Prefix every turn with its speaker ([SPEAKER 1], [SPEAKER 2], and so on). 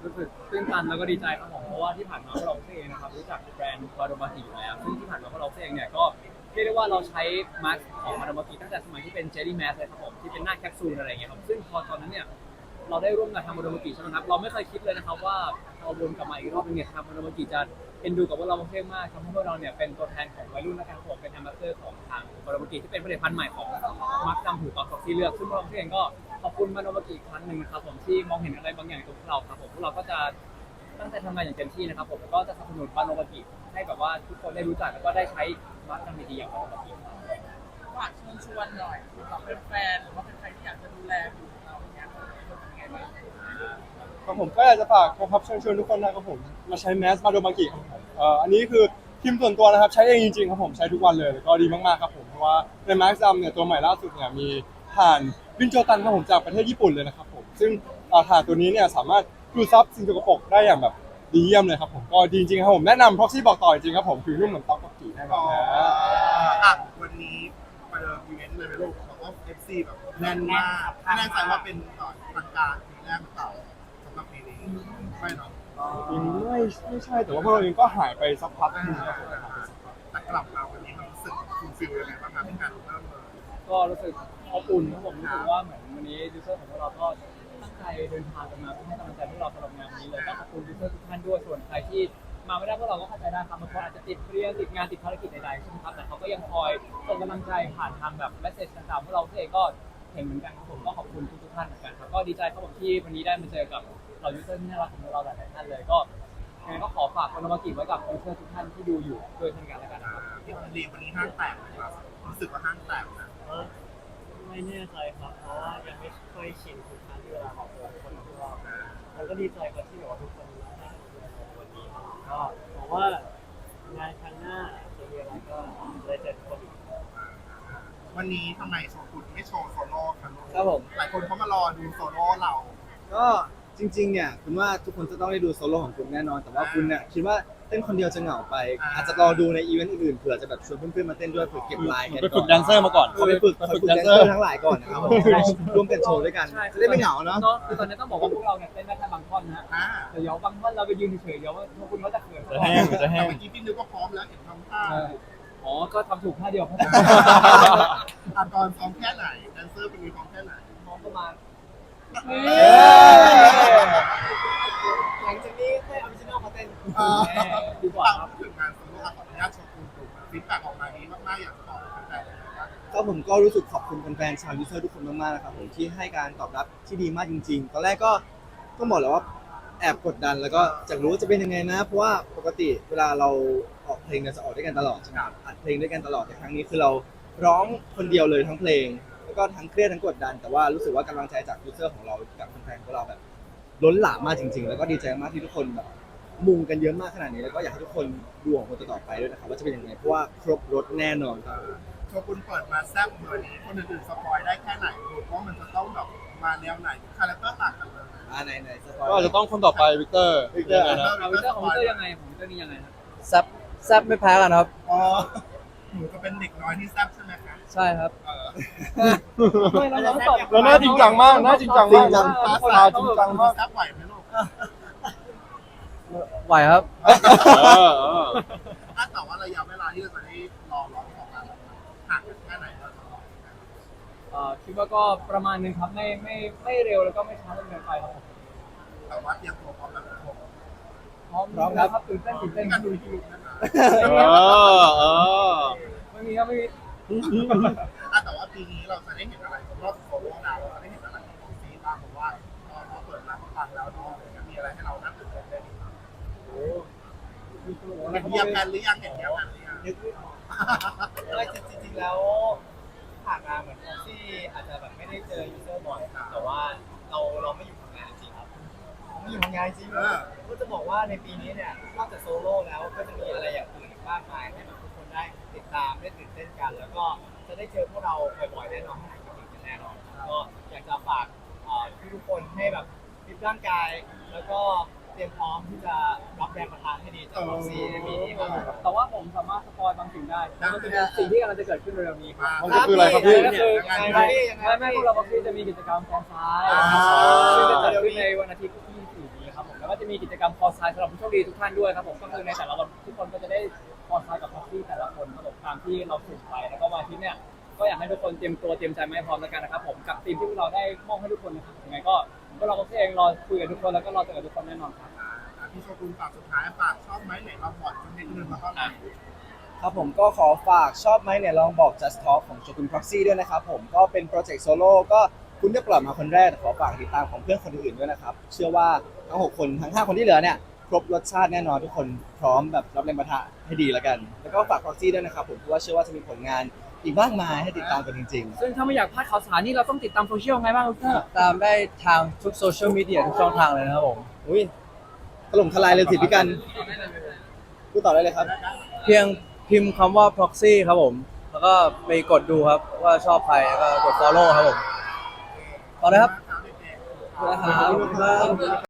[SPEAKER 1] รู้สึกตื้นตันแล้วก็ดีใจครับผมเพราะว่าที่ผ่านมาพวกเราเองนะครับรู้จักแบรนด์บาโดมากิอยู่แล้วซึ่งที่ผ่านมาพวกเราเองเนี่ยก็เรียกได้ว่าเราใช้มาสก์ของบาโดมากิตั้งแต่สมัยที่เป็นเจลลี่แมสเลยครับผมที่เป็นหน้าแคปซูลอะไรเงี้ยครับซึ่งพอตอนนั้นเนี่ยเราได้ร่วมงานทำบาโดมากิใช่ไหมครับเราไม่เคยคิดเลยนะครับว่าพอวนกลับมาอีกรอบนึงเนี่ยทางบาโดมากิจะเอ็นดูกับพวกเราเองมากทำให้พวกเราเนี่ยเป็นตัวแทนของวัยรุ่นและการผมเป็นแอมบาสเดอร์ของทางบาโดมากิที่เป็นผลิตภัณฑ์ใหม่ของมาร์คดำหูตอกที่เลือกซึ่งพวกเราเองก็ขอบคุณบาโดมากิอีกครั้งหนึ่งนะครับผมที่มองเห็นอะไรบางอย่างในตัวพวกเราครับผมพวกเราก็จะตั้งใจทำงานอย่างเต็มที่นะครับผมแล้วก็จะสนับสนุนบาโดมากิให้แบบว่าทุกคนได้รู้จักแล้วก็ได้ใช้มาร์คดำดีๆอย่างบาโดมากิ
[SPEAKER 2] ฝากเชิญชวนหน่อยสำหรับแฟนๆหรือว่าเป็นใครที่อยากจะดูแลผิวของเราอย่างเงี้ยเป็นไงบ้าง
[SPEAKER 3] ครับผมก็อยากจะฝากนะครับเชิญชวนทุกคนนะครับผมมาใช้แมสมาโดมากิครับผมอันนี้คือทีมส่วนตัวนะครับใช้เองจริงๆครับผมใช้ทุกวันเลยแล้วก็ดีมากๆครับผมเพราะว่าในแมสซัมเนี่ยตัวใหม่ล่าสุดเนี่ยมีถ่านวินโจตันครับผมจากประเทศญี่ปุ่นเลยนะครับผมซึ่งถ่านตัวนี้เนี่ยสามารถดูดซับสิ่งสกปรกได้อย่างแบบดีเยี่ยมเลยครับผมก็ดีจริงๆครับผมแนะนำ Proxy บอกต่อจริงๆครับผมผิวนุ่มเหมือนต๊อกกับกีแน่นอนนะ
[SPEAKER 4] วันนี้ไปเดินอีเวนต์เลยไหมลูกบอกว่า FC แบบแน่นมากไม่แน่ใจว่าเป็นทางการปีแรกหรือเปล่าสำหรับปีนี้ไม่เนาะ
[SPEAKER 3] ไม่ใช่แต่ว่าพวกเราเองก็หายไปสักพักหนึงครับผม
[SPEAKER 4] แต่กลับมาวันนี้มันรู้สึกฟูลฟิลยังไงบ้างครับที่การเริ่มเลย
[SPEAKER 1] ก็รู้สึกอบอุ่นครับผมรู้สึกว่าเหมือนวันนี้ยูเซอร์ของพวกเราก็ตั้งใจเดินทางกันมาเพื่อให้กำลังใจพวกเราสำหรับงานนี้เลยก็ขอบคุณยูเซอร์ทุกท่านด้วยส่วนใครที่มาไม่ได้พวกเราก็เข้าใจได้ครับบางคนอาจจะติดเรียนติดงานติดภารกิจใดๆใช่ไหมครับแต่เขาก็ยังคอยส่งกำลังใจผ่านทางแบบเมสเซจต่างๆพวกเราเองก็เห็นเหมือนกันครับผมก็ขอบคุณทุกๆท่านเหมือนกันครับก็ดีใจครับผมที่วันนี้ได้มาเจอกับเรายูเซอร์ที่น่ารักของเราหลายๆท่านเลยก็ยังไงก็ขอฝากคนมากิไว้กับยูเซอร์ทุกท่านที่ดูอยู่ด้วยเช่นกันแล้วกันนะครับ
[SPEAKER 4] พี่คนดีวันนี้ห้างแตกไหมครับรู้สึกว่าห้างแตกนะ
[SPEAKER 5] ไม่แน่ใจครับเพราะว่ายังไม่ค่อยชินทุกครั้งที่เวลาออกตัวคนของเราแล้วก็ดีใจกับที่แบบว่าทุกคนได้ในวันนี้ครับก็หวังว่างานครั้งหน้าจะมีอะไรก็จะได้เจอทุกคนอีก
[SPEAKER 4] วันนี้ทำไมโชว์คุณไม่โชว์โซโล่ครับลูก
[SPEAKER 6] ครับผม
[SPEAKER 4] หลายคนเขามารอดูโซโล่เรา
[SPEAKER 6] ก็จริงๆเนี่ยคุณว่าทุกคนจะต้องได้ดูโซโล่ของคุณแน่นอน แต่ว่าคุณเนี่ยคิดว่าเต้นคนเดียวจะเหงาไป อาจจะรอดูในอีเวนต์อื่นๆเผื่อจะแบบชวนเพื่อนๆมาเต้นด้วยเผื่อเก็บลายกัน
[SPEAKER 3] ไปฝึกแดนเซอร์มาก่อน
[SPEAKER 6] ไปฝึกแดนเซอร์ทั้งหลายก่อนนะครับผมร่วมกันโชว์ด้วยกัน
[SPEAKER 1] ใช่
[SPEAKER 6] จะได้ไม่เหงาเนาะ
[SPEAKER 1] คือตอนนี้ต้องบอกว่าพวกเราเนี่ยเต้นได้แค่บางท่อนนะฮะ
[SPEAKER 4] อ่า
[SPEAKER 1] แต่เดี๋ยวบางท่อนเราไปยืนเฉยๆเดี๋ยวว่าพวกคุณเขาจะเขิน
[SPEAKER 3] จะแห้งจะแห้
[SPEAKER 4] แต่
[SPEAKER 3] ง
[SPEAKER 4] เมื่อกี้พี่นิวก็พร้อมแล้วเห็นทำท่า
[SPEAKER 1] อ๋อ ก็ทำถูกท่าเดียวครับ
[SPEAKER 4] ตอนซ้อมแค่ไหนแดนเซอร์เป็นมีซ้อมแค่ไหน
[SPEAKER 1] น้องประมาณ
[SPEAKER 6] หลังจากนี้ให้ออริจินอลมาเต้น
[SPEAKER 1] ดีกว่าครับ
[SPEAKER 4] ถึงงานโซโล่ขออนุญาตโชว์คุณถูกฟีดแบ็กออกมาดีมากๆอยากจะบอกแฟนๆเลยนะครับ
[SPEAKER 6] ก็ผมก็รู้สึกขอบคุณแฟนๆชาวยูเซอร์ทุกคนมากๆนะครับผมที่ให้การตอบรับที่ดีมากจริงๆ ตอนแรกก็ต้องบอกเลยว่าแอบกดดันแล้วก็อยากรู้ว่าจะเป็นยังไงนะ เพราะว่าปกติเวลาเราออกเพลงเนี่ยจะออกด้วยกันตลอดใช่ไหมครับอัดเพลงด้วยกันตลอดแต่ครั้งนี้คือเราร้องคนเดียวเลยทั้งเพลง แล้วก็ทั้งเครียดทั้งกดดัน แต่ว่ารู้สึกว่ากำลังใจจากยูเซอร์ของเรากับแฟนๆของเราแบบล้นหลามมากจริงๆ แล้วก็ดีใจมากที่ทุกคนแบบมุงกันเยอะมากขนาดนี้แล้วก็อยากให้ทุกคนดูของคนต่อๆไปด้วยนะครับว่าจะเป็นยังไงเพราะว่าครบรถแน่นอนครับ
[SPEAKER 4] โชว์คุณเปิดมาแซ่บเหมือนนี้คนอื่นๆสปอยได้แค่ไหนลูกว่ามันจะต้องแบบมาแนวไหนคาแรคเตอร์ต่างกันเลย
[SPEAKER 6] ไหนสปอย
[SPEAKER 3] ก็อาจจะต้องคนต่อไปวิกเตอร์
[SPEAKER 6] วิกเตอร์
[SPEAKER 3] ยังไงนะ
[SPEAKER 1] เอาวิเตอร์ของวิเตอร์ยังไงของวิเตอร์นี่ยังไงครับ
[SPEAKER 5] แซบไม่แพ้กันครับ
[SPEAKER 4] อ๋อหนูจะเป็นเด็กน้อยที่แซ่บใช่ไหมคะ
[SPEAKER 5] ใช่ครับ
[SPEAKER 1] ไม่แล้วน้องตอบ
[SPEAKER 3] แล้วน่าจริงจังมากน่าจริงจังมาก
[SPEAKER 4] ฟ้าจริงจังมากแซ่บไหวไหมลูก
[SPEAKER 5] ไหวครับ
[SPEAKER 4] ถ้าแต่ว่าระยะเวลาที่เราจะได้รอร้องออกมาห่างกันแค่ไหนเราจะรอ
[SPEAKER 1] คิดว่าก็ประมาณนึงครับไม่เร็วแล้วก็ไม่ช้าจนเกินไปครับผม
[SPEAKER 4] แต่ว่าเตรียมตัวพร้อมแล้วทุกคน
[SPEAKER 1] พร้อมครับตื่นเต้น
[SPEAKER 4] การดูที่ลูกนะคะ
[SPEAKER 1] ไม่มีครับไม่มี
[SPEAKER 4] แต่ว่าปีนี้เราจะได้เห็นอะไรรอบโซโล่ดาวเราจะได้เห็นอะไรของซีบ้างเพราะว่าเราเปิดร้านฟังแล้วเนาะมีอะไรให้เราน่าตื่นเต้นได้ดีครับเห็นเยียมกันหรือยังเห็นเยียมกันหรือยัง
[SPEAKER 6] ไม่จริงๆแล้วผ่านมาเหมือนที่อาจจะแบบไม่ได้เจอยูเซอร์บ่อยครับแต่ว่าเราไม่อยู่ทำงานจริงครับไม่อยู่ทำงานจริงก็จะบอกว่าในปีนี้เนี่ยนอกจากโซโล่แล้วก็จะมีอะไรอย่างอื่นอีกมากมายให้แบบทุกคนได้ติดตามได้ตื่นเต้นกัน แล้วก็จะได้เจอพวกเราบ่อยๆแน่นอนให้กำลังใจแน่นอนก็อยากจะฝากทุกคนให้แบบฟิตร่างกายแล้วก็เตรียมพร้อมที่จะรับแรงประทานให้ดีจากวัคซีนในปีนี้ครับ
[SPEAKER 1] แต่ว่าผมสามารถสปอยบางสิ่งได้นั่นก็คือสิ่งที่กำลังจะเกิดขึ้นเร็วๆนี้ครับ
[SPEAKER 3] มันก็คืออะไรครับพี่
[SPEAKER 1] ก็คือไม่พวกเราบอกที่จะมีกิจกรรมแฟนไซน์ซึ่งจะจัดขึ้นในวันอาทิตย์ที่ 24 นี้ครับผมแล้วก็จะมีกิจกรรมคอร์สไซส์สำหรับผู้โชคดีทุกท่านด้วยครับผมก็คือในแต่ละวันทุกคนก็จะได้คอร์สไซส์กับพ็อกซี่แต่ละคนครับผมตามที่เราสุ่มไปแล้วก็วันอาทิตย์เนี่ยก็อยากให้ทุกคนเตรียมตัวเตรียมใจมาให้พร้อมแล้วกันนะครับผมกับทีมที่พวกเราได้มอบให้ทุกคนนะครับยังไงก็พวกเราเองรอคุยกับทุกคนแล้วก็รอเจอกับทุกคนแน่นอนครับ
[SPEAKER 4] พี่โชกุนฝากสุดท้ายฝากชอบไหมไหนมาบอดจนให้เงินมาต้อนรับ
[SPEAKER 6] ครับผมก็ขอฝากชอบไหมเนี่ยลองบอก Just Talk ของโชกุน Proxy ด้วยนะครับผมก็เป็นโปรเจกต์โซโล่ก็คุณได้ปล่อยมาคนแรกแต่ขอฝากติดตามของเพื่อนคนอื่นๆด้วยนะครับเชื่อว่าทั้ง6คนทั้ง5คนที่เหลือเนี่ยครบรสชาติแน่นอนทุกคนพร้อมแบบรับแรงปะทะให้ดีแล้วกันแล้วก็ฝาก Proxy ด้วยนะครับผมเพราะว่าเชื่อว่าจะมีผลงานอีกมากมายให้ติดตามกันจริงๆ
[SPEAKER 1] ซึ่งถ้าไม่อยากพลาดข่าวสารนี่เราต้องติดตามโซเชียลไงบ้างครับ
[SPEAKER 7] ตามได้ทางทุกโซเชียลมีเดียทุกช่องทางเลยนะครับผม
[SPEAKER 6] อุ้ยถล่มทลายเลยสิพี่กันพูดต่อได้เลยครับ
[SPEAKER 7] เพียงพิมพ์คำว่า proxy ครับผม แล้วก็ไปกดดูครับว่าชอบใครแล้วก็กด follow ครับผมต่อเลยครับ
[SPEAKER 4] ครับ
[SPEAKER 7] ขอบคุณครับ